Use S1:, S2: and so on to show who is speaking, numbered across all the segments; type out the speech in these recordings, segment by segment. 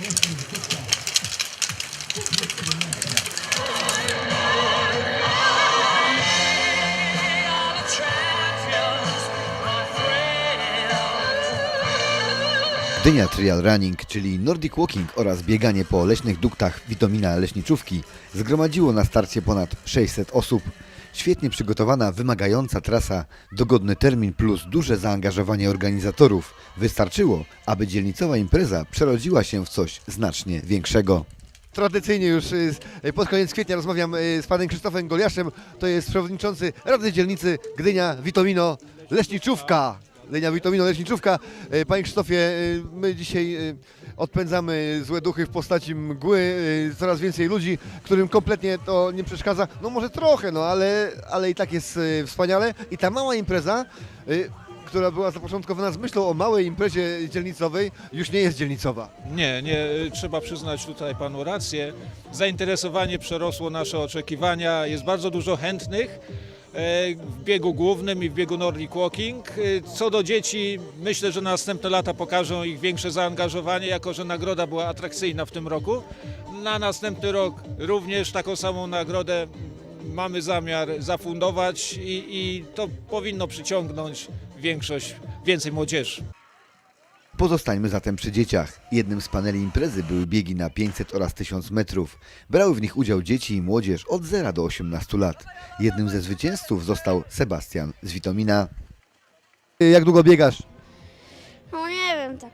S1: Gdynia Trial Running, czyli Nordic Walking oraz bieganie po leśnych duktach Witomina Leśniczówki zgromadziło na starcie ponad 600 osób. Świetnie przygotowana, wymagająca trasa, dogodny termin plus duże zaangażowanie organizatorów wystarczyło, aby dzielnicowa impreza przerodziła się w coś znacznie większego. Tradycyjnie już pod koniec kwietnia rozmawiam z panem Krzysztofem Goliaszem, to jest przewodniczący Rady Dzielnicy Gdynia Witomino Leśniczówka. Gdynia Witomino Leśniczówka. Panie Krzysztofie, my dzisiaj odpędzamy złe duchy w postaci mgły, coraz więcej ludzi, którym kompletnie to nie przeszkadza. No może trochę, no ale i tak jest wspaniale. I ta mała impreza, która była zapoczątkowana z myślą o małej imprezie dzielnicowej, już nie jest dzielnicowa.
S2: Nie, trzeba przyznać tutaj panu rację. Zainteresowanie przerosło nasze oczekiwania, jest bardzo dużo chętnych w biegu głównym i w biegu Nordic Walking. Co do dzieci, myślę, że następne lata pokażą ich większe zaangażowanie, jako że nagroda była atrakcyjna w tym roku. Na następny rok również taką samą nagrodę mamy zamiar zafundować i to powinno przyciągnąć więcej młodzieży.
S1: Pozostańmy zatem przy dzieciach. Jednym z paneli imprezy były biegi na 500 oraz 1000 metrów. Brały w nich udział dzieci i młodzież od 0 do 18 lat. Jednym ze zwycięzców został Sebastian z Witomina. Jak długo biegasz?
S3: No nie wiem, tak.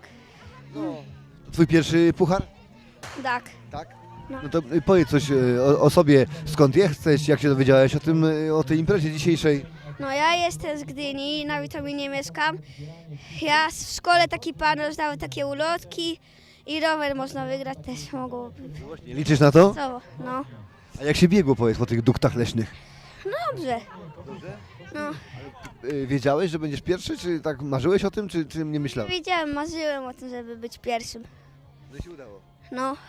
S1: Twój pierwszy puchar?
S3: Tak.
S1: Tak.
S3: No.
S1: No to powiedz coś o sobie, skąd jesteś, jak się dowiedziałeś o tej imprezie dzisiejszej?
S3: No ja jestem z Gdyni, na Witominie mieszkam. Ja w szkole taki pan rozdał takie ulotki i rower można wygrać też mogło.
S1: Liczysz na to?
S3: Co? No.
S1: A jak się biegło, powiedz, po tych duktach leśnych?
S3: Dobrze. No.
S1: Wiedziałeś, że będziesz pierwszy, czy tak marzyłeś o tym, czy nie myślałeś?
S3: Wiedziałem, marzyłem o tym, żeby być pierwszym.
S1: No się udało.
S3: No.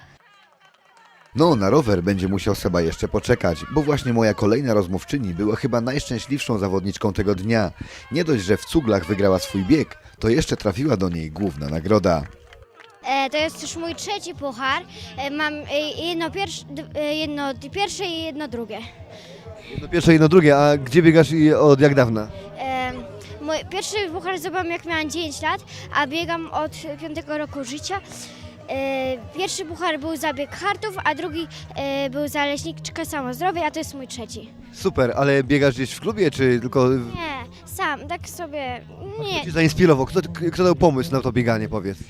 S1: No, na rower będzie musiał Seba jeszcze poczekać, bo właśnie moja kolejna rozmówczyni była chyba najszczęśliwszą zawodniczką tego dnia. Nie dość, że w cuglach wygrała swój bieg, to jeszcze trafiła do niej główna nagroda.
S4: To jest już mój trzeci puchar. Mam jedno pierwsze i jedno drugie.
S1: Jedno pierwsze, jedno drugie, a gdzie biegasz i od jak dawna?
S4: Mój pierwszy puchar zdobyłam jak miałam 9 lat, a biegam od 5 roku życia. Pierwszy puchar był za bieg hartów, a drugi był za leśniczkę samozdrowie, a to jest mój trzeci.
S1: Super, ale biegasz gdzieś w klubie, czy tylko...
S4: Nie, sam, tak sobie, nie.
S1: Kto cię zainspirował? Kto dał pomysł na to bieganie, powiedz?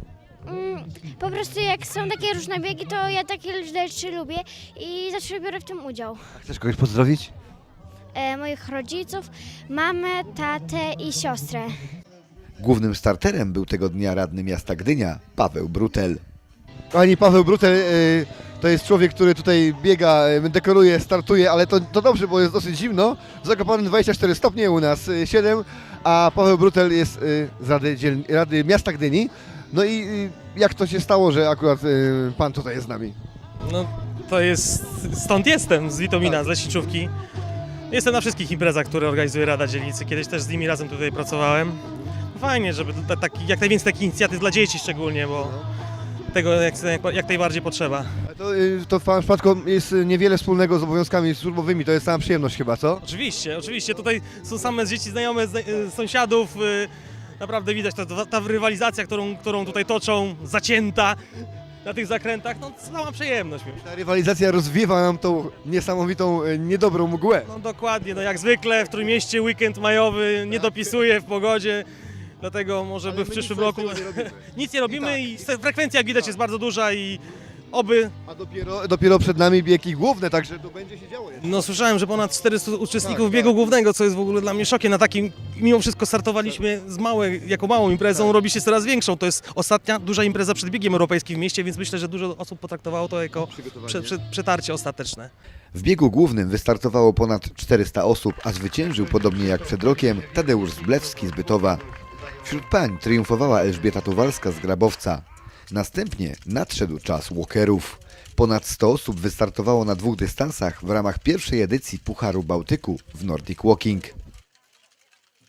S4: Po prostu jak są takie różne biegi, to ja takie rzeczy lubię i zawsze biorę w tym udział.
S1: A chcesz kogoś pozdrowić?
S4: Moich rodziców, mamę, tatę i siostrę.
S1: Głównym starterem był tego dnia radny miasta Gdynia, Paweł Brutel.
S5: Kochani, Paweł Brutel to jest człowiek, który tutaj biega, dekoruje, startuje, ale to dobrze, bo jest dosyć zimno. W Zakopanem 24 stopnie, u nas 7, a Paweł Brutel jest z Rady Miasta Gdyni. No i jak to się stało, że akurat pan tutaj jest z nami?
S6: No to jest, stąd jestem, z Witomina, z Leśniczówki. Jestem na wszystkich imprezach, które organizuje Rada Dzielnicy. Kiedyś też z nimi razem tutaj pracowałem. Fajnie, żeby jak najwięcej takich inicjatyw dla dzieci szczególnie, bo tego jak najbardziej potrzeba.
S5: To w pana przypadku jest niewiele wspólnego z obowiązkami służbowymi, to jest sama przyjemność chyba, co?
S6: Oczywiście, tutaj są same dzieci znajome, sąsiadów. Naprawdę widać ta rywalizacja, którą tutaj toczą, zacięta na tych zakrętach, no sama przyjemność.
S5: Ta rywalizacja rozwiewa nam tą niesamowitą, niedobrą mgłę.
S6: No dokładnie, no jak zwykle w Trójmieście weekend majowy nie dopisuje w pogodzie, dlatego może by w przyszłym roku nic nie robimy i frekwencja jak widać jest bardzo duża i oby...
S5: A dopiero przed nami biegi główne, także to będzie się działo jeszcze.
S6: No słyszałem, że ponad 400 uczestników biegu głównego, co jest w ogóle dla mnie szokiem. Na takim, mimo wszystko startowaliśmy jako małą imprezą, robi się coraz większą. To jest ostatnia duża impreza przed biegiem europejskim w mieście, więc myślę, że dużo osób potraktowało to jako przetarcie ostateczne.
S1: W biegu głównym wystartowało ponad 400 osób, a zwyciężył, podobnie jak przed rokiem, Tadeusz Zblewski z Bytowa. Wśród pań triumfowała Elżbieta Tuwalska z Grabowca. Następnie nadszedł czas walkerów. Ponad 100 osób wystartowało na 2 dystansach w ramach pierwszej edycji Pucharu Bałtyku w Nordic Walking.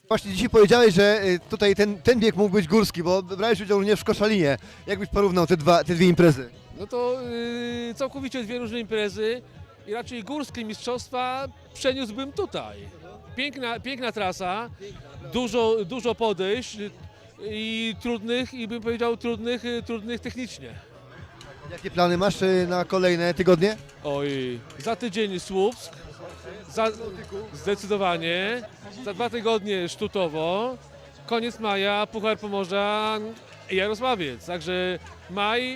S5: Właśnie dzisiaj powiedziałeś, że tutaj ten bieg mógł być górski, bo brałeś udział również w Koszalinie. Jak byś porównał te dwie imprezy?
S7: No to całkowicie dwie różne imprezy i raczej górskie mistrzostwa przeniósłbym tutaj. Piękna trasa, dużo podejść i trudnych, i bym powiedział trudnych technicznie.
S5: Jakie plany masz na kolejne tygodnie?
S7: Oj, za tydzień Słupsk, zdecydowanie, za 2 tygodnie Sztutowo, koniec maja Puchar Pomorza i Jarosławiec, także maj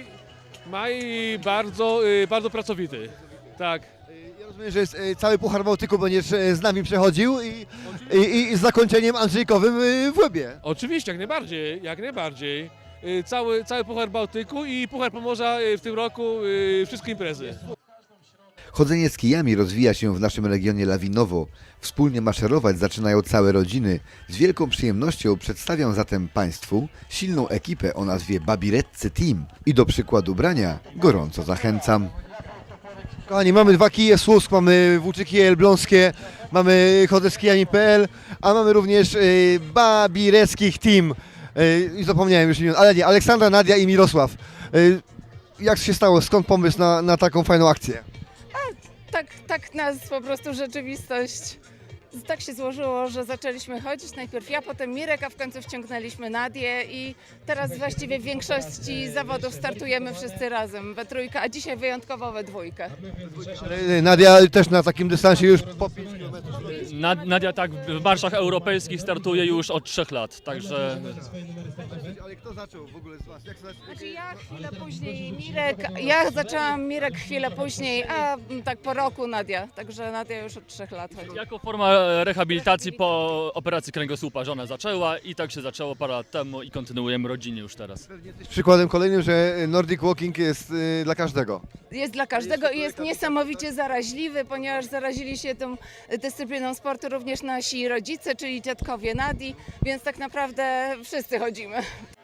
S7: bardzo pracowity, tak.
S5: Ja rozumiem, że jest cały Puchar Bałtyku będziesz z nami przechodził i z zakończeniem Andrzejkowym w Łebie.
S7: Oczywiście, jak najbardziej. Cały Puchar Bałtyku i Puchar Pomorza w tym roku, wszystkie imprezy.
S1: Chodzenie z kijami rozwija się w naszym regionie lawinowo. Wspólnie maszerować zaczynają całe rodziny. Z wielką przyjemnością przedstawiam zatem Państwu silną ekipę o nazwie Babireccy Team i do przykładu brania gorąco zachęcam.
S5: Kochani, mamy 2 kije Słupsk, mamy Włóczyki Elbląskie, mamy chodzę z kijami.pl, a mamy również Babireckich Team. I zapomniałem już imion, ale nie, Aleksandra, Nadia i Mirosław. Jak się stało, skąd pomysł na taką fajną akcję?
S8: Tak nas po prostu rzeczywistość. Tak się złożyło, że zaczęliśmy chodzić. Najpierw ja, potem Mirek, a w końcu wciągnęliśmy Nadię i teraz właściwie w większości zawodów startujemy wszyscy razem, we trójkę, a dzisiaj wyjątkowo we dwójkę.
S5: Nadia też na takim dystansie już po 5 km.
S9: Nadia tak w marszach europejskich startuje już od 3 lat, także
S5: Ale kto zaczął w ogóle z Was? Jak
S8: Znaczy ja chwilę później Mirek, ja zaczęłam Mirek chwilę później, a tak po roku Nadia, także Nadia już od 3 lat chodzi.
S9: jako forma rehabilitacji po operacji kręgosłupa żona zaczęła i tak się zaczęło parę lat temu i kontynuujemy rodzinnie już teraz.
S5: Przykładem kolejnym, że Nordic Walking jest dla każdego.
S8: Jest dla każdego i jest niesamowicie zaraźliwy, ponieważ zarazili się tą dyscypliną sportu również nasi rodzice, czyli dziadkowie Nadii, więc tak naprawdę wszyscy chodzimy.